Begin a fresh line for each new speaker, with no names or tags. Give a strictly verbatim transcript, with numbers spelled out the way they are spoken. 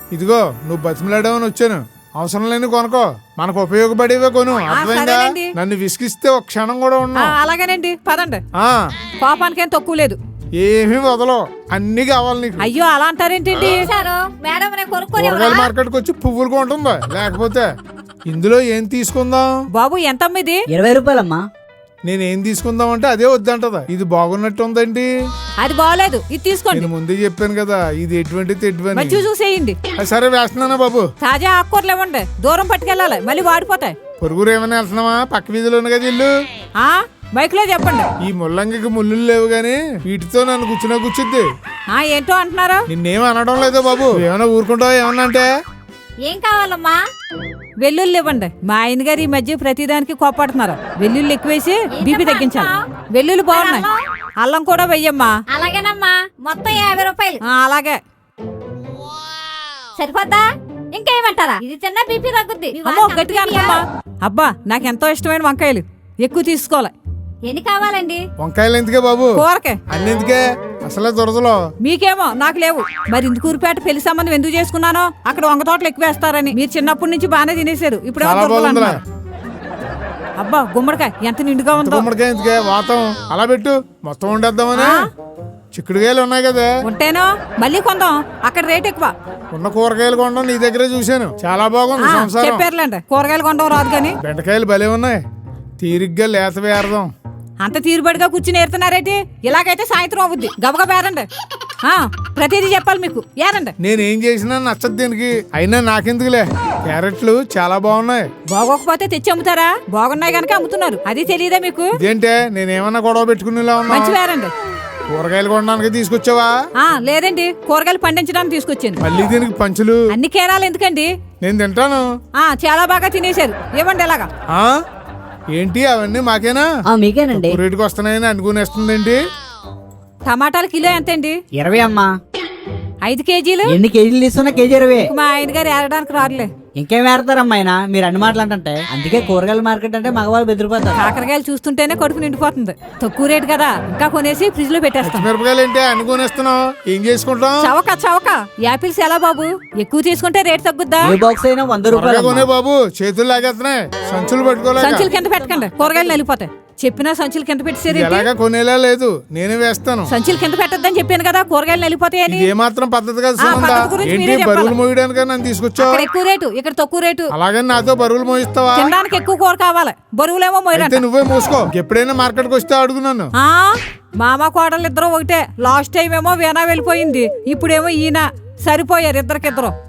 ఇదిగో నువ్వు బతిమలాడావని వచ్చాను. అవసరం లేని కొనుకో, మనకు ఉపయోగపడేవే కొను. అర్థమైందా? నన్ను విసిగిస్తే ఒక క్షణం కూడా ఉన్నా.
అలాగేనండి, పదండి.
ఆ
కోపానికి ఏం తక్కువ లేదు.
ఏమీ వదలవు, అన్ని కావాలి నీకు.
అయ్యో అలా అంటారేంటండి?
కూరగాయల మార్కెట్కి వచ్చి పువ్వులు కొంటుందా? లేకపోతే ఇందులో ఏం తీసుకుందాం
బాబు? ఎంత అమ్మిది?
ఇరవై రూపాయలమ్మా.
నేనేం తీసుకుందాం అంటే అదే వద్దంటదా. ఇది బాగున్నట్టు ఉందండి.
అది బాగోలేదు, ఇది తీసుకోండి.
నేను ముందే చెప్పాను కదా, ఇది ఎటువంటి తెడ్వని.
మంచి చూసేయండి.
సరే వేస్తున్నానా బాబు.
తాజా ఆకుకూరలు ఇవ్వండి, దూరం పట్టుకెళ్ళాలి, మళ్ళీ వాడిపోతాయి.
పొరుగురు ఏమైనా వెళ్తున్నావా? పక్క వీధిలో కదా ఇల్లు.
ఆ బైక్ లో చెప్పండి.
ఈ ముల్లంగికి ముళ్ళు లేవు గాని వీటితో నన్ను కూర్చున్నా కూర్చుద్ది.
ఆ ఏంటో అంటున్నారా?
నిన్నేం అనడం లేదు బాబు. ఏమైనా ఊరుకుంటావా? ఏమన్నా అంటే
ఏం కావాలమ్మా?
వెల్లుల్లి ఇవ్వండి. మా ఆయన గారు ఈ మధ్య ప్రతిదానికి కోపడుతున్నారు. వెల్లుల్లి ఎక్కువేసి బీపీ తగ్గించాలి. వెల్లుల్లి బాగున్నాయి, అల్లం కూడా వెయ్యమ్మా.
అలాగేనమ్మా, మొత్తం యాభై రూపాయలు.
ఆ, అలాగే
సరిపోద్దా? ఇంకేమంటారా? ఇది తిన్నా బీపీ తగ్గుద్ది. మీ
అమ్మో
వాడికి అంత
గట్టిగా
బీపీయా?
అనుకోమ్మా. అబ్బా నాకు ఎంతో ఇష్టమైన వంకాయలు, ఎక్కువ తీసుకోవాలి.
ఎన్ని కావాలండి?
వంకాయలు ఎందుకే బాబు?
కూరకే.
అన్ని ఎందుకే? అసలే దొరదలో.
మీకేమో నాకు లేవు. మరి ఇందుకూరుపేట పెళ్లి సంబంధం ఎందుకు చేసుకున్నానో, అక్కడ వంగ తోటలు ఎక్కువ వేస్తారని. మీరు చిన్నప్పటి నుంచి బాగానే తినేశారు, ఇప్పుడు
చాలా బాగుందిరా.
అబ్బా గుమ్మడికాయ ఎంత నిండుగా ఉందో.
గుమ్మడికాయ ఎందుకే? వాతం అలా పెట్టు, మొత్తం వండేద్దామని. చిక్కుడుకాయలు ఉన్నాయి కదా,
ఉంటేనో మళ్ళీ కొందాం. అక్కడ రేట్ ఎక్కువ.
ఉన్న కూరగాయలు కొనడం నీ దగ్గరే చూశాను. చాలా బాగుంది సంసారం.
చెప్పారులేండి, కూరగాయలు కొండం రాదు కానీ.
బెండకాయలు భలే ఉన్నాయి, తీరిగ్గా లేత వేరదాం.
అంత తీరుబడిగా కూర్చుని ఏరుతున్నారేంటి? ఇలాగైతే సాయంత్రం అవుద్ది. గబగబా ఏరండి. ఆ ప్రతిదీ చెప్పాలి మీకు. ఏరండి.
నేనేం చేసినా నచ్చదు దీనికి. అయినా నాకెందుకులే. క్యారెట్లు చాలా బాగున్నాయి.
బాగోకపోతే తెచ్చి అమ్ముతారా? బాగున్నాయి గనక అమ్ముతున్నారు, అది తెలియదా మీకు?
ఇదేంటే నేనేమన్నా గొడవ పెట్టుకునేలా ఉన్నా?
మంచి వేరండి.
కూరగాయలు కొనడానికి తీసుకొచ్చావా?
ఆ లేదండి, కూరగాయలు పండించడానికి తీసుకొచ్చాను.
మళ్ళీ దీనికి పంచులు?
అన్ని కేరాలు ఎందుకండి?
నేను తింటాను.
ఆ చాలా బాగా తినేశారు. ఇవ్వండి ఎలాగా.
ఆ ఏంటి అవన్నీ మాకేనా?
ఆ మీకేనండి.
రేటుకి వస్తున్నాయని అనుకునేస్తుందండి.
టమాటాలు కిలో ఎంతండి?
ఇరవై అమ్మా.
ఐదు కేజీలు.
ఎన్ని కేజీలు తీసుకున్నా కేజీ ఇరవై.
మా ఆయన గారు ఏరడానికి రారులే.
ఇంకేం వేరతారమ్మా ఆయన? మీరు అన్ని మాటలు అంటే. అందుకే కూరగాయల మార్కెట్ అంటే మగవాళ్ళు బెదిరిపోతారు.
కాకరకాయలు చూస్తుంటేనే కడుపు నిండిపోతుంది. తక్కువ రేటు కదా, ఇంకా కొనేసి ఫ్రిడ్జ్ లో పెట్టేస్తాం.
మిరపకాయలు ఏంటి అనుకునేస్తున్నావు? ఏం చేసుకుంటాం?
చవక చవక. యాపిల్స్ ఎలా బాబు? ఎక్కువ తీసుకుంటే రేట్ తగ్గుద్దా?
ఏ బాక్స్ అయినా వంద రూపాయలు
కొనే బాబు. చేతులు లాగేస్తున్నాయి, సంచులు పట్టుకోలేక.
సంచులు కింద పెట్టకండి, కూరగాయలు నలిపోతాయి. చెప్పినా సంచులు కింద పెట్టేసారు.
ఎలాగా కొనేలా లేదు, నేనే వేస్తాను.
సంచులు కింద పెట్టద్దని చెప్పాను కదా, కూరగాయలు నలిపోతాయని.
ఏ మాత్రం పద్ధతి కాదు
ఆ,
సునంద.
పద్ధతి గురించి
ఏంటి
మీరే చెప్పాలి.
బరువులు మోయడానికి నన్ను తీసుకొచ్చావు?
అక్కడ ఎక్కువ రేటు, ఇక్కడ తక్కువ రేటు.
అలాగని నాతో బరువులు మోయిస్తావా?
తినడానికి ఎక్కువ కూర కావాలి, బరువులేమో మోయరంట.
అయితే నువ్వే మూసుకో. ఎప్పుడైనా మార్కెట్కి వస్తే అడుగున్నాను.
ఆ మామ కోడలు ఇద్దరు ఒకటే. లాస్ట్ టైం ఏమో వీణా వెళ్ళిపోయింది, ఇప్పుడేమో ఈయన. సరిపోయారు ఇద్దరికిద్దరు.